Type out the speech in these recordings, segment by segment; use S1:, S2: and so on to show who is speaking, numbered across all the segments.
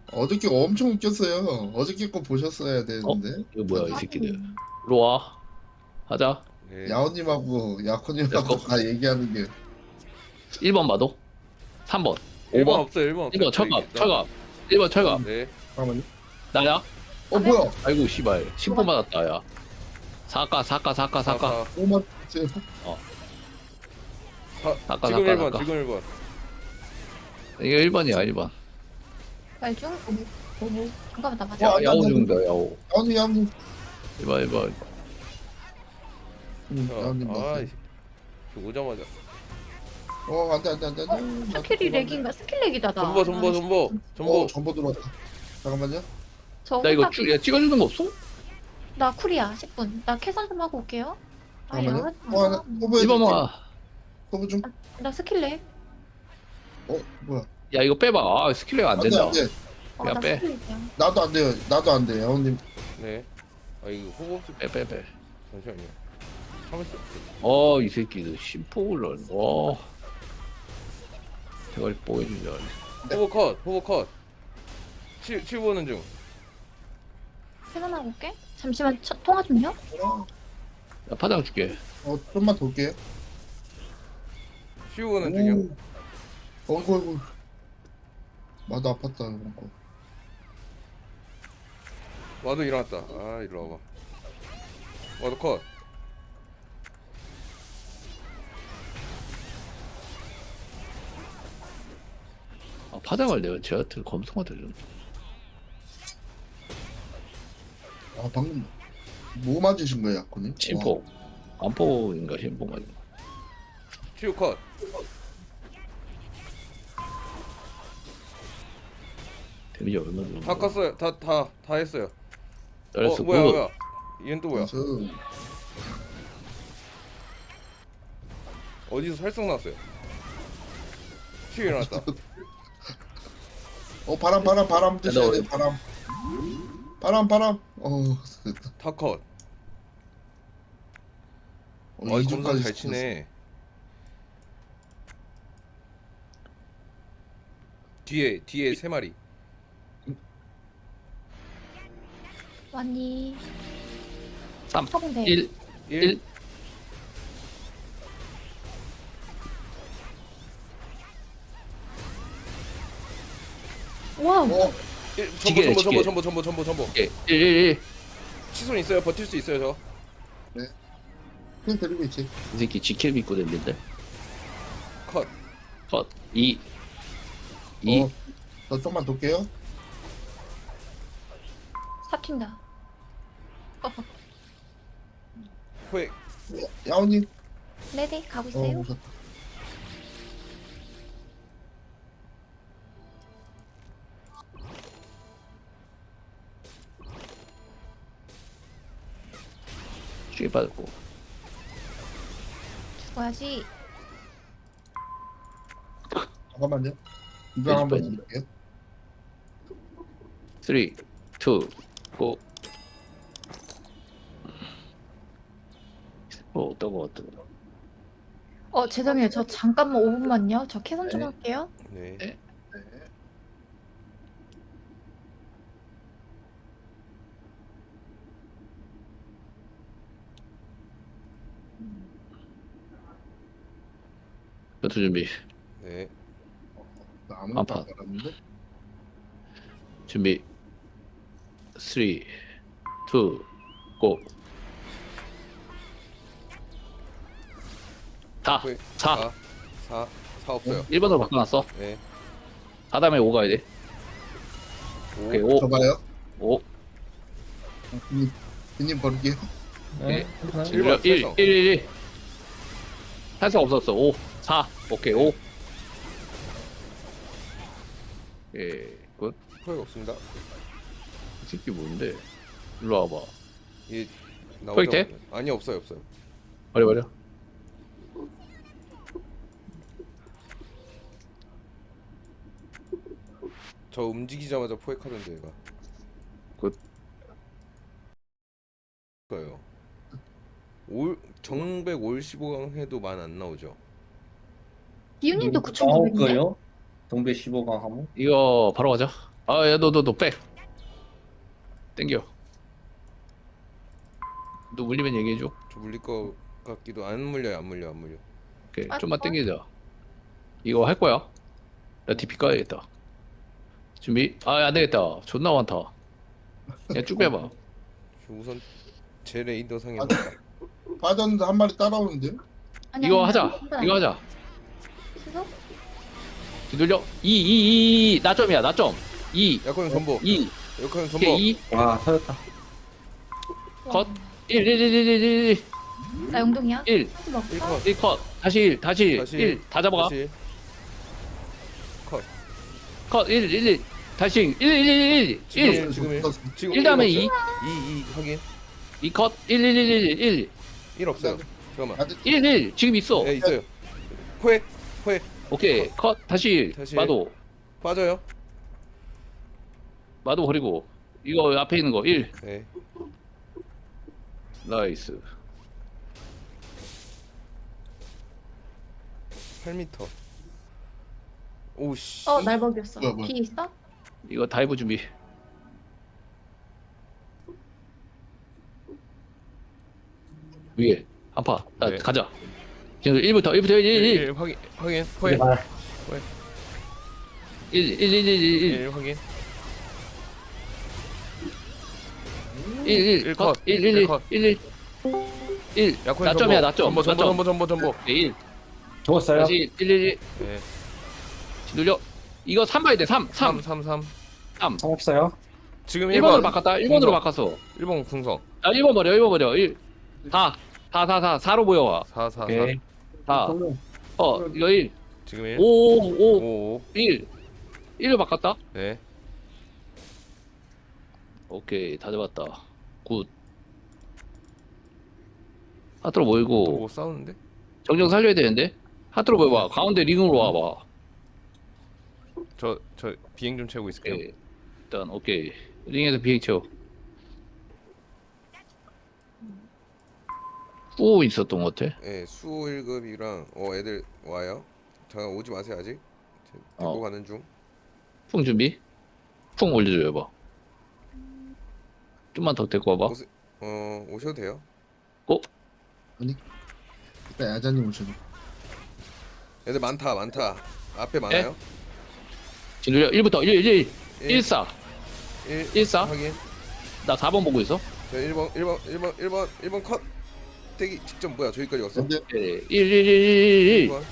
S1: 어저께 엄청 웃겼어요. 어저께 거 보셨어야
S2: 어?
S1: 되는데.
S2: 이거 뭐야 이 새끼들. 일로 와. 하자.
S3: 네.
S1: 야오님하고 야코님하고
S2: 렛츠고.
S1: 다 얘기하는 게.
S2: 1번 봐도. 3번.
S3: 1번
S2: 5번.
S3: 없어요. 1번 없어요.
S2: 1번 철갑. 철갑. 1번 철갑.
S3: 네.
S1: 잠깐만요.
S2: 나야?
S1: 뭐야?
S2: 아이고 씨발. 10번 맞았다 야. 사까.
S1: 5만 째.
S2: 아까,
S3: 지금
S2: 아까,
S3: 1번.
S2: 아까.
S3: 지금 1번.
S2: 이게 1번이야 1번.
S4: 말중? 오무. 잠깐만 나
S1: 와,
S4: 맞아.
S1: 안 돼,
S2: 야오
S1: 안 돼.
S2: 중다 야오.
S1: 야오님.
S2: 1번.
S1: 야오님
S3: 아,
S1: 봤어요.
S3: 오자마자.
S1: 안 돼.
S4: 스킬이 렉인가? 스킬 렉이다 나.
S3: 전보.
S1: 전보 들어왔다. 잠깐만요.
S4: 저
S2: 나 이거
S4: 혼자-
S2: 야, 찍어주는 거 없어?
S4: 나 쿨이야 10분. 나 캐선 좀 하고 올게요. 아
S1: 잠깐만요.
S4: 야.
S1: 허브
S2: 1번 와.
S1: 허브 좀.
S4: 나 스킬 렉.
S1: 뭐야?
S2: 야 이거 빼봐. 아 스킬레가 안 된다.
S1: 안 돼.
S2: 야,
S4: 나
S2: 빼.
S4: 스킬 렉이야.
S1: 나도 안 돼요. 나도 안 돼. 야오님.
S3: 네. 아 이거 호흡
S2: 빼.
S3: 잠시만요. 참을 수
S2: 이
S3: 없어.
S2: 새끼들 심포를. 와. 대가리 뽀이는 줄 알았네.
S3: 호흡 컷. 치우보는 중.
S4: 캐선 하고 올게. 잠시만 통화 좀요.
S2: 야 파장 줄게.
S1: 좀만 돌게요.
S3: 치우보는 중이요.
S1: 어이구. 나도 아팠다 이런 거.
S3: 와도 일어났다. 아 일로 와봐. 와도 컷.
S2: 아, 파장을 내가 제한테 검성한테 좀.
S1: 방금 뭐 맞으신 거예요, 야코님?
S2: 심포. 안포인가 심포가.
S3: 치우 컷.
S2: 데미지 얼마 들어?
S3: 다 깠어요. 다 했어요.
S2: 잘했어.
S3: 뭐야. 얘는 또 뭐야?
S1: 저
S3: 어디서 살성 났어요? 치우 일어났다.
S1: 바람 드셔야 돼. 바람. 됐다.
S3: 다 컷. 이 검사
S1: 이중까지
S3: 잘 치네. 뒤에 세 마리.
S4: 왔니?
S2: 3,
S4: 화분대.
S2: 1, 1.
S4: 와우.
S2: 지게.
S3: 전보.
S2: 1.
S3: 치손 있어요. 버틸 수 있어요 저.
S1: 그냥 데리고 있지.
S2: 이 새끼 지킬 믿고 댕긴데.
S3: 컷.
S2: 컷. 2. 2.
S1: 저 좀만 돌게요.
S4: 사튄다.
S3: 포획.
S1: 야오님.
S4: 네네 가고 있어요.
S1: 오셨다.
S2: 죽이 빠졌고.
S4: 죽어야지.
S1: 잠깐만요. 이거 한번
S2: 빼지.
S1: 볼게요.
S2: 3, 2, 고. 어떤 거.
S4: 죄송해요. 저 잠깐만 5분만요. 저 캐선 좀
S1: 네.
S4: 할게요.
S3: 네.
S1: 네.
S2: 전투 준비.
S3: 네.
S1: 나 아무것도
S2: 아파.
S1: 안 알았는데.
S2: 준비. 3, 2, 고. 4,
S3: 포획.
S2: 4.
S3: 4 없어요.
S2: 1번으로 바꿔놨어.
S3: 네.
S2: 4 다음에 5 가야 돼. 오케이, 5.
S1: 저가요?
S2: 5.
S1: 님 버릴게요.
S2: 네.
S3: 1번
S2: 1. 탈성 없었어. 5, 4. 오케이, 5. 예, 굿.
S3: 포획 없습니다.
S2: 이 새끼 뭔데? 일로 와봐.
S3: 이
S2: 포획 돼?
S3: 아니 없어요.
S2: 버려.
S3: 저 움직이자마자 포획하던데 얘가.
S2: 굿.
S3: 거예요. 정백 올 15강 해도 만 안 나오죠.
S4: 기훈님도
S5: 나올
S4: 9,900인데?
S5: 거요? 동배 15강 하면?
S2: 이거 바로 가자. 야, 너 빼. 땡겨. 너 물리면 얘기해줘.
S3: 저 물릴 거 같기도. 안 물려요, 안 물려.
S2: 오케이,
S4: 아,
S2: 좀만 땡기자. 이거 할 거야. 나 DP 까야겠다. 준비. 안 되겠다. 존나 많다. 그냥 쭉 빼봐.
S3: 저 우선 제 레이더 상에
S1: 아, 빠졌는데 한 마리 따라오는데?
S4: 아니,
S2: 이거
S4: 아니,
S2: 하자.
S4: 아니,
S2: 이거 하자.
S4: 시소?
S2: 뒤돌려. 2. 나점이야, 나점. 2.
S3: 약간 전보.
S2: 2.
S3: 약간 전보.
S2: 오케이, 2.
S5: 와 터졌다.
S2: 컷. 1.
S4: 나 영동이야?
S2: 1.
S4: 하지 마.
S3: 1컷.
S2: 1 컷. 다시 1. 다시
S3: 다시
S2: 1. 다 잡아가.
S3: 다시
S2: 컷. 1. 다시 1.
S3: 지금 지금 1. 지금
S2: 1 다음에 2.
S3: 2 확인.
S2: 2 컷. 1.
S3: 1 없어요. 잠깐만.
S1: 아직
S2: 1. 지금 있어.
S3: 네, 있어요. 포획.
S2: 오케이. 컷. 다시
S3: 다시.
S2: 마도.
S3: 빠져요.
S2: 마도 버리고. 이거 앞에 있는 거 1.
S3: 네.
S2: 나이스.
S3: 8m. 오씨.
S4: 날먹였어.
S1: 뭐야.
S4: 비 있어?
S2: 이거 다이브 준비. 위에 한파.
S3: 네.
S2: 가자. 지금 1부터 1.
S3: 확인.
S5: 이제
S3: 포획.
S5: 말.
S2: 1
S3: 확인.
S2: 1
S3: 컷.
S2: 컷. 1
S3: 약혼
S2: 나점이야, 나점.
S3: 전보.
S2: 1
S5: 죽었어요.
S2: 다시 1
S3: 네.
S2: 눌려. 이거 3 봐야 돼. 3
S3: 3.
S5: 상 없어요.
S3: 지금
S2: 1번으로
S3: 1번.
S2: 바꿨다. 1번으로 바꿨어.
S3: 1번 궁성.
S2: 1번 버려. 1 4 4로 보여와.
S3: 4.
S5: 오케이.
S2: 4 이거 1
S3: 지금 1.
S2: 5
S3: 5.
S2: 1 1로 바꿨다.
S3: 네.
S2: 오케이, 다 잡았다. 굿. 하트로 모이고
S3: 뭐 싸우는데?
S2: 정정 살려야 되는데. 하트로 모여봐. 가운데 링으로 와봐.
S3: 저 비행 좀 채우고 있을게요.
S2: 오케이. 일단 오케이. 링에서 비행 채워. 후 있었던 것 같아.
S3: 예, 수 1급이랑 애들 와요. 잠깐 오지 마세요 아직. 데리고
S2: 어.
S3: 가는 중.
S2: 풍 준비. 풍 올려줘 봐. 좀만 더 데리고 와봐.
S3: 오셔도 돼요.
S1: 일단 야자님 오셔도.
S3: 애들 많다. 앞에 많아요.
S2: 진돌려 1부터 1
S3: 일.
S2: 4
S3: 1
S2: 14.
S3: 확인.
S2: 나 4번 보고 있어.
S3: 자, 1번 컷. 대기 직접 뭐야? 저기까지 왔어?
S1: 근데
S2: 1
S3: 1번.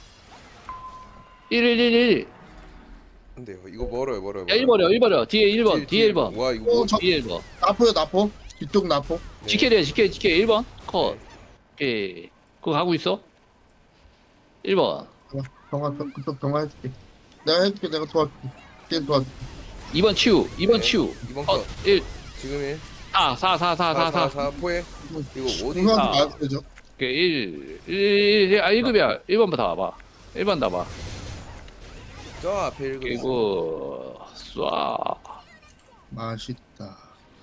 S2: 1
S3: 안 돼요. 이거 멀어요.
S2: 야, 1 버려. 뒤에 1번. 뒤에 1번.
S3: 와, 이거 뭐
S2: 뒤에 1번.
S1: 나포. 뒤쪽 나포.
S3: 네.
S2: 지켜야 지켜 1번. 컷.
S3: 네.
S2: 오케이. 그거 가고 있어. 1번.
S1: 병화 해줄게. 내가 해줄게. 내가 도와줄게. 걔 도와줄게.
S2: 2번 치우. 2번
S3: 네.
S2: 치우.
S3: 2번
S2: 컷.
S3: 컷.
S2: 1
S3: 지금 1.
S2: 4
S3: 포획. 이거 어디
S1: 중앙
S2: 아.
S1: 나와도 되죠?
S2: 오케이. 1급이야. 1번 다 와봐. 1번 다 봐.
S3: 저 앞에 1급.
S2: 그리고 쏴.
S1: 맛있다.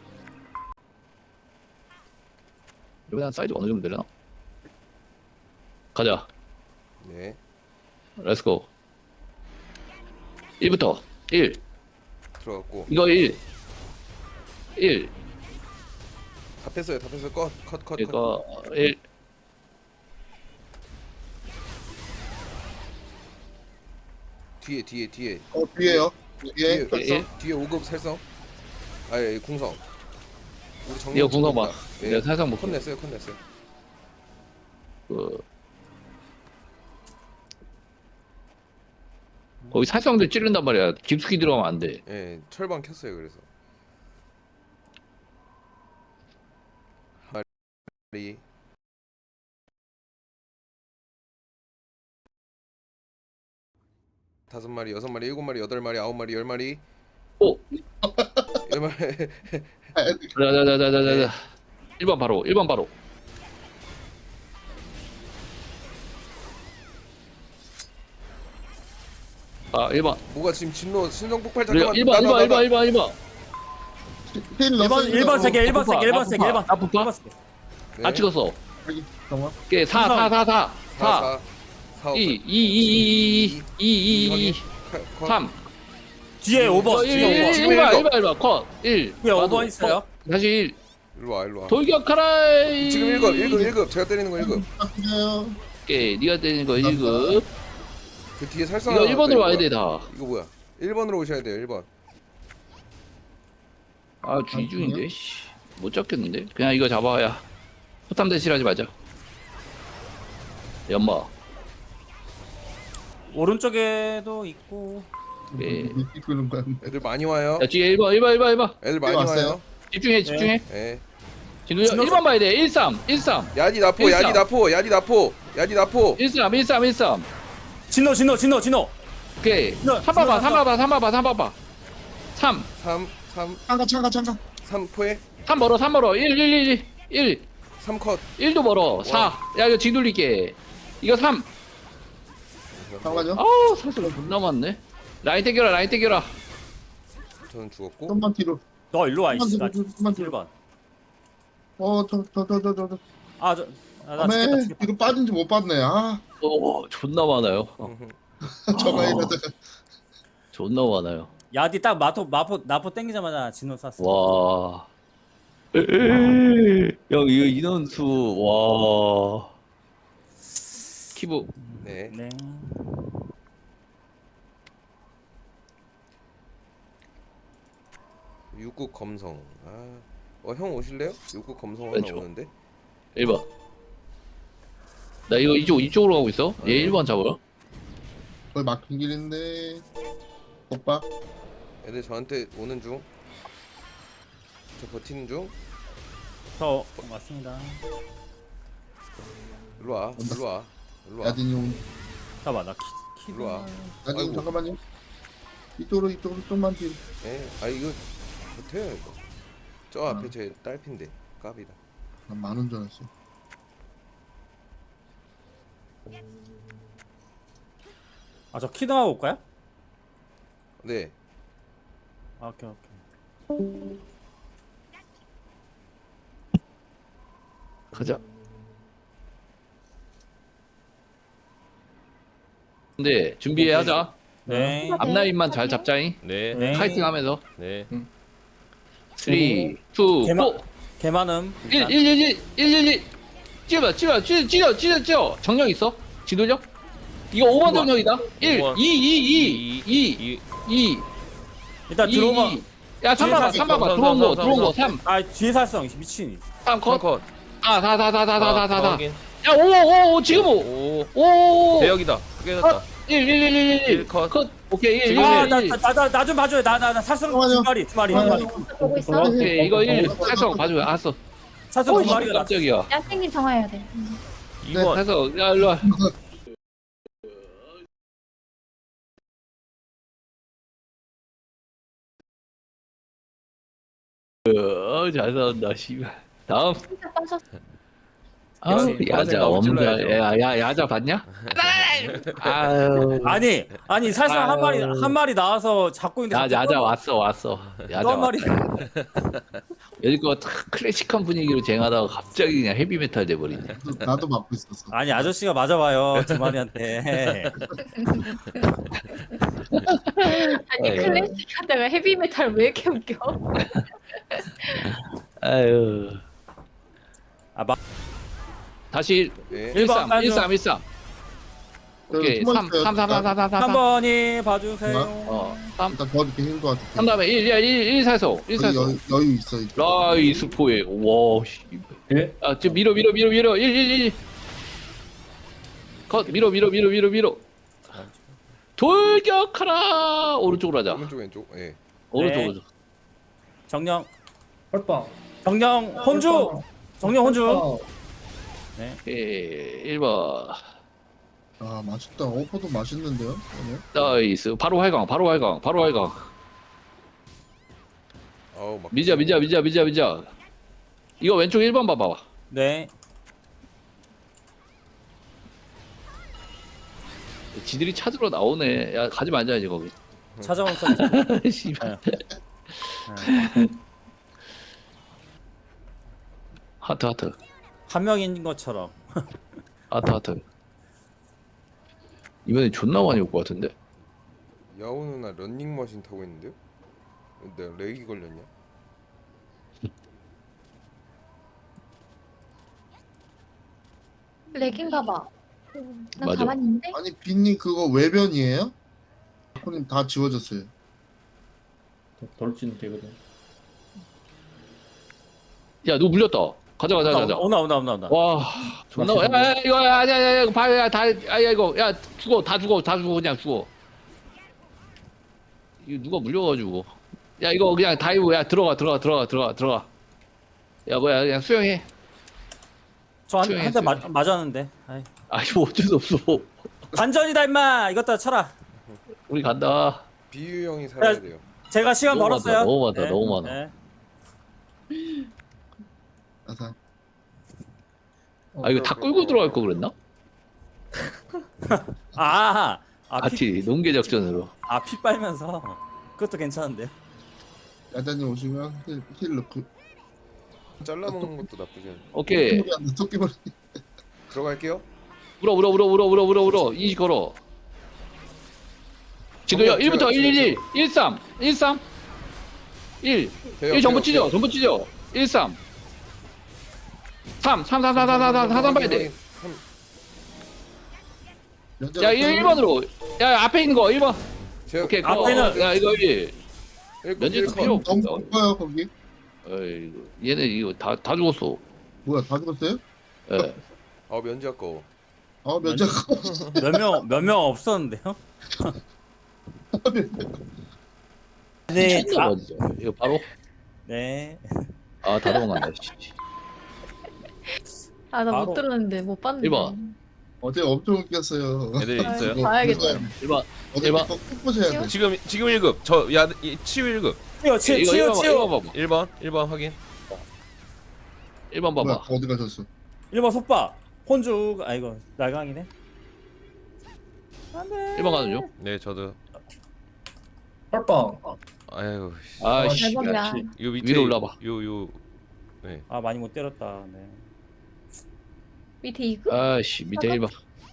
S2: 이번에 한 사이즈 어느 정도 되려나? 가자.
S3: 네.
S2: 렛츠고. 1부터 1.
S3: 들어갔고.
S2: 이거 1.
S3: 다 뺐어요. 컷.
S2: 이거 1.
S3: 뒤에.
S1: 뒤에요. 뒤에.
S2: 예.
S3: 뒤에 5급 살성. 아예 궁성. 우리 정리.
S2: 이거 궁성 봐.
S3: 네.
S2: 내가 살짝 못
S3: 컷 냈어요.
S2: 거기 살성들 찌른단 말이야. 깊숙이 들어가면 안 돼.
S3: 예, 철방 켰어요. 그래서. 마리. 다섯 마리, 여섯 마리, 일곱 마리, 여덟 마리, 아홉 마리, 열 마리.
S2: 오.
S3: 열 마리.
S2: 자자자자자자. 1번 바로. 아, 1번.
S3: 뭐가 지금 진로 신성 폭발
S2: 그래요.
S3: 잠깐만.
S2: 1번.
S1: 힐 넣었어.
S5: 1번 세개 1번 세개 1번 세개 1번.
S2: 아, 부파?
S5: 1번 세개.
S3: 네.
S2: 다 찍었어.
S1: 병화.
S2: 오케이. 4.
S3: 4,
S2: 2. 2. 3.
S5: 뒤에 5번. 뒤에 5번.
S3: 지금
S2: 1번 컷 1.
S5: 뒤에 5번 있어요.
S2: 다시 1.
S3: 일로 와 일로 와.
S2: 돌격하라.
S3: 지금 1급 제가 때리는 거 1급.
S1: 바뀌어요.
S2: 오케이 네가 되는 거 1급.
S3: 그 뒤에 살상.
S2: 이거
S3: 하나
S2: 1번으로
S3: 있다,
S2: 와야
S3: 이거
S2: 돼 다.
S3: 이거 뭐야? 1번으로 오셔야 돼요 1번.
S2: 아 쥐중인데 씨. 못 잡겠는데. 그냥 이거 잡아야. 포탐 대실하지 마자. 연마.
S5: 오른쪽에도 있고.
S2: 예.
S1: 그런 거.
S3: 애들 많이 와요.
S2: 야 뒤에 1번.
S3: 애들 많이
S1: 왔어요?
S3: 와요.
S2: 집중해.
S3: 예.
S2: 진우 1번 봐야 돼. 13.
S3: 야디 나포
S2: 일삼.
S3: 야디 나포.
S2: 13.
S5: 진호.
S2: 오케이.
S5: 진호,
S2: 3 봐봐.
S5: 진호
S2: 3.
S1: 창가.
S3: 3포에
S2: 3 멀어. 1.
S3: 3컷.
S2: 1도 멀어. 4. 야 이거 뒤돌릴게. 이거 3.
S1: 잠깐만요.
S2: 아우 사슬 존나 많네. 라인 땡겨라.
S3: 저는 죽었고.
S1: 좀만 뒤로.
S5: 너 일로 와 이씨. 나
S1: 좀만 뒤로.
S5: 1번.
S1: 저.
S5: 나
S1: 아메
S5: 죽겠다.
S1: 이거 빠진지 못 봤네. 아,
S2: 오 존나 많아요.
S1: 저거 이러다가
S2: 존나 많아요.
S5: 야디 딱 나포 땡기자마자 진호 쐈어.
S2: 와. 형 이거 인원수 와. 키브
S3: 네.
S5: 네.
S3: 육국 검성. 형 오실래요? 육국 검성 하나
S2: 왼쪽.
S3: 오는데.
S2: 1번. 나 이거 이쪽으로 가고 있어. 얘 1번 잡아요.
S1: 거의 막힌 길인데. 오빠.
S3: 애들 저한테 오는 중. 저 버티는 중.
S5: 저 맞습니다.
S3: 일로 와.
S1: 야딘이 온.
S5: 잠깐만 나 키.
S3: 일로 와.
S1: 야딘
S3: 아이고.
S1: 잠깐만요. 이쪽으로 좀만 뒤로.
S3: 예. 이거 못해요 이거. 저 앞에 제 딸핀데 까비다.
S1: 난 많은 줄 알았어.
S5: 저 키등하고 올까요?
S3: 네.
S5: 오케이.
S2: 가자. 근데 준비하자.
S5: 네.
S2: 앞라인만 잘 잡자잉.
S6: 네.
S5: 네.
S2: 카이팅 하면서.
S6: 네.
S2: 3, 2, 4.
S5: 개 많음.
S2: 1. 찌려. 정령 있어? 지도력? 이거 5번 정령이다. 1,
S6: 5번.
S2: 2.
S5: 일단 들어오면.
S2: 야, 3 봐봐. 들어온 거 3.
S5: 뒤에 살성 미친.
S2: 3 컷.
S6: 컷.
S2: 4.
S6: 확인.
S2: 야, 5, 지금 5.
S6: 5.
S2: 5.
S6: 대역이다. 크게 됐다.
S2: 1.
S6: 컷.
S2: 컷. 오케이, 1.
S5: 나 좀 봐줘요. 나 살성 두 마리.
S4: 보고 있어.
S2: 오케이, 이거 1. 살성 봐줘요. 알았어.
S5: 살성 두 마리가 나.
S2: 깜짝이야.
S4: 야생님 정화해야 돼.
S6: 2번.
S2: 살성, 야, 일로 와. 잘 싸운다, 씨발. 다음.
S4: 진짜 빠졌어.
S2: 아,
S6: 그치.
S2: 야자
S6: 나무
S2: 없는
S6: 찔러야죠.
S2: 야자 봤냐? 아유.
S5: 아니 살성
S2: 아유.
S5: 한 마리 나와서 잡고 있는데.
S2: 야자 왔어. 야자
S5: 한 마리.
S2: 여기껏 클래식한 분위기로 쟁하다가 갑자기 그냥 헤비메탈 돼버리네.
S1: 나도 맡고 있었어.
S5: 아니 아저씨가 맞아봐요 두 마리한테.
S4: 아니
S2: 아유.
S4: 클래식 하다가 헤비메탈 왜 이렇게 웃겨?
S2: 아유. 다시
S3: 네.
S2: 13.
S1: 여기
S2: 오케이.
S1: 숨어
S2: 3.
S1: 있어요.
S2: 3.
S5: 3번이 봐주세요.
S2: 3.
S1: 일단 더 이렇게 힘도 같아.
S2: 3 다음에 1 살성. 1 살성.
S1: 여유 있어. 이쪽.
S2: 라이스 포에. 와, 씨.
S5: 예?
S2: 아, 지금 밀어. 1. 컷. 밀어. 돌격하라. 오른쪽으로 하자.
S3: 오른쪽 왼쪽. 예.
S2: 오른쪽.
S5: 정령
S7: 헐빵.
S5: 정령 혼주. 정령 혼주.
S2: 오케이. 1번.
S1: 아 맛있다. 오퍼도 맛있는데요. 오늘?
S2: 나이스. 바로 활강.
S3: 아우 막.
S2: 미자. 이거 왼쪽 1번 봐봐.
S5: 네.
S2: 지들이 찾으러 나오네. 야, 가지 말자 이제 거기.
S5: 찾아온 선.
S2: 씨발. 하트.
S5: 한 명인 것처럼.
S2: 하트. 이번에 존나 많이 올 것 같은데.
S3: 야호 누나 런닝머신 타고 있는데요? 내가 렉이 걸렸냐?
S4: 렉인가 봐. 나
S2: 맞아.
S4: 가만히 있는데?
S1: 아니 빈님 그거 외변이에요? 손님 다 지워졌어요.
S7: 돌진 되거든.
S2: 야 누구 물렸다. 가자 가자 가자.
S5: 온다.
S2: 와 존나 야 이거 아니야 이거 봐야 다야 이거 야 죽어 다 죽어 그냥 죽어. 이거 누가 물려가지고. 야 이거 그냥 다이브 야 들어가. 야 뭐야 그냥 수영해.
S5: 저한 대 맞았는데. 아이.
S2: 아 이거 어쩔 수 없어.
S5: 반전이다 임마. 이것도 쳐라.
S2: 우리 간다.
S3: 비유 형이 살아야 돼요.
S5: 제가 시간
S2: 너무
S5: 벌었어요.
S2: 많다, 너무 많다, 너무 많아.
S5: 네.
S1: 아사.
S2: 아 이거 다 끌고 들어갈 거 그랬나?
S5: 피,
S2: 같이 농계 작전으로.
S5: 피 빨면서 그것도 괜찮은데요.
S1: 야자님 오시면 힐 넣고.
S3: 잘라먹는 것도 나쁘지 않네.
S2: 오케이.
S1: 토끼머리.
S3: 들어갈게요.
S2: 울어 인식 걸어. 지도요 1부터 111 13 1
S3: 돼요,
S2: 1 전부
S3: 돼요,
S2: 찢어 13 3 4 봐야 돼. 야 1번으로 야 앞에 있는 거 1번.
S3: 제가
S2: 오케이
S5: 앞에는-
S2: 야 이거 1 면제도 필요 없어.
S1: 너무 높아요 거기.
S2: 어이 얘네 이거 다 죽었어.
S1: 뭐야 다 죽었어요?
S2: 예.
S3: 면제 아까워.
S1: 면접.
S5: 몇 명 없었는데요. 네.
S2: 미쳤나 봐, 진짜. 이거 바로
S5: 네.
S2: 다 도망간다.
S4: 아, 나 못
S5: 바로-
S4: 들었는데, 못 봤는데.
S2: 1번.
S1: 어제 엄청 웃겼어요.
S6: 애들
S4: 아,
S6: 있어요?
S4: 봐야겠다.
S2: 1번.
S1: 어제
S2: 대박.
S1: 꼭 보셔야 돼.
S6: 지금 1급. 치유 1급.
S5: 치워.
S2: 이거 1번 봐봐.
S6: 1번 확인.
S2: 1번
S1: 뭐야
S2: 봐봐.
S1: 어디 가셨어?
S5: 1번 속박. 혼주. 이거 날강이네. 안돼.
S2: 1번 가는 중.
S6: 네, 저도.
S7: 헐빵.
S6: 아유,
S2: 아씨.
S4: 대박이야.
S6: 요 밑에
S2: 위로 올라봐.
S6: 요. 네.
S5: 많이 못 때렸다. 네.
S4: 밑에 이거?
S2: 아씨 밑에 1번.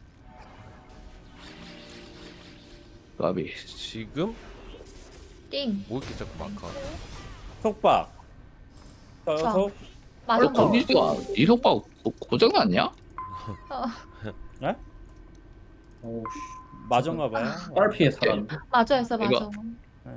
S2: 까비.
S6: 지금
S4: 띵.
S6: 뭐 이렇게 자꾸 막아.
S5: 속박. 속.
S4: 맞아.
S2: 건디지가 이 속박 고장 났냐?
S7: 오,
S5: 맞은가 봐요.
S7: 빨피에 살았는데.
S4: 맞아였어, 맞아.
S2: 이거.
S5: 네.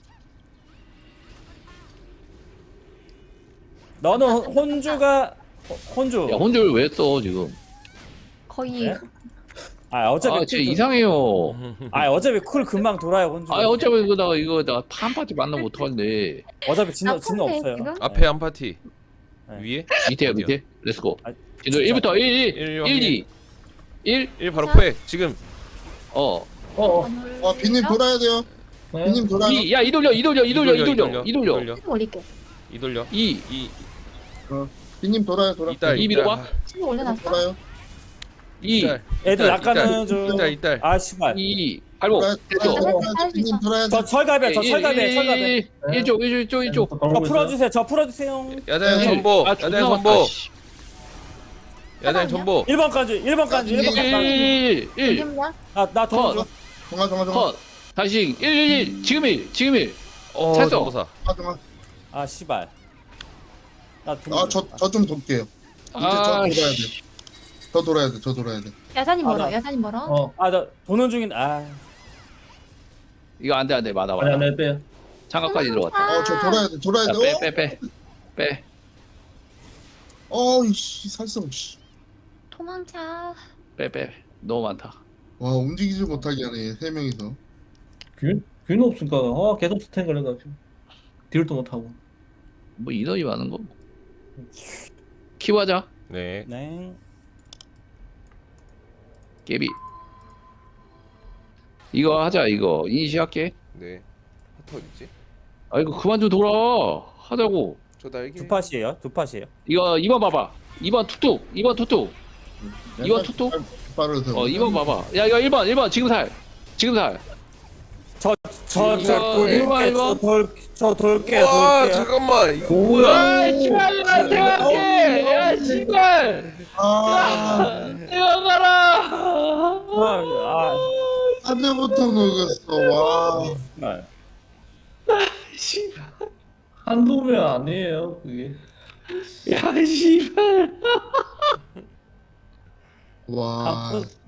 S5: 너는 혼주.
S2: 야 혼줄 왜 써 지금?
S4: 거의
S5: 네? 어차피
S2: 진짜 이상해요.
S5: 어차피 쿨 금방 돌아요 혼주.
S2: 어차피 이거 나 파한파티 만나면 어떡한데.
S5: 어차피 진노
S4: 아픈데,
S5: 없어요.
S4: 지금?
S6: 앞에 한 파티.
S5: 네.
S6: 위에?
S2: 밑에야
S6: 어디요?
S2: 밑에. 렛츠고.
S5: 아,
S2: 진도 1부터 1 2 1
S6: 1 바로 포획. 지금
S1: 빈님 돌아야 돼요.
S7: 네.
S1: 빈님 돌아요.
S2: 2 야 이돌려
S4: 올릴게.
S6: 이 돌려.
S2: 2
S1: 빈님 돌아요.
S6: 이딸.
S2: 이 밀어봐.
S4: 친구 올려놨어?
S1: 돌아요.
S2: 2
S5: 애들 낚아는 중.
S6: 이딸.
S5: 씨발.
S2: 2 발목 됐어.
S1: 빈님 돌아야 돼.
S5: 저 철갑이야.
S2: 1쪽
S5: 저 풀어주세요.
S6: 야자형 전보.
S2: 아,
S6: 야자형 전보. 야자형 전보.
S5: 1번까지. 1번까지.
S2: 1
S4: 이름이야?
S5: 나 도와줘.
S1: 정아.
S2: 컷 다시 1 지금 1 찼어.
S6: 전보사.
S5: 씨발.
S1: 저 좀 돌게요. 이제 저 돌아야 돼. 저 돌아야 돼.
S4: 야산이 멀어,
S5: 나-
S4: 야산이 멀어.
S5: 나 도는 중인.
S2: 이거 안돼 맞아
S7: 아니 빼.
S2: 장갑까지 들어갔다.
S1: 저 돌아야 돼.
S2: 빼
S1: 이씨 살성 씨.
S4: 도망쳐.
S2: 너무 많다.
S1: 와 움직이지 못하게 하네 3명이서.
S7: 균 없으니까 계속 스탠 해가지고 딜도 못하고.
S2: 뭐 인원이 많은 거 키워자
S6: 네.
S5: 네.
S2: 깨비 이거 하자. 이거 인시할게.
S3: 네. 하트 어딨지?
S2: 이거 그만 좀 돌아 하자고.
S3: 저 날개.
S5: 두 팟이에요.
S2: 이거 2번 봐봐. 2번 툭툭 2번 툭툭 이거 투투?
S1: 빠르서.
S2: 2번 봐봐. 야 이거 1번 지금 살
S5: 저 돌게.
S3: 와 잠깐만 이거 뭐야?
S2: 야 씨발
S1: 아
S2: 이거 가라.
S1: 한 대부터 녹였어. 와.
S5: 아,
S2: 씨발.
S7: 한두 명 아니에요 그게.
S2: 야 씨발.
S1: 와.
S5: 한푼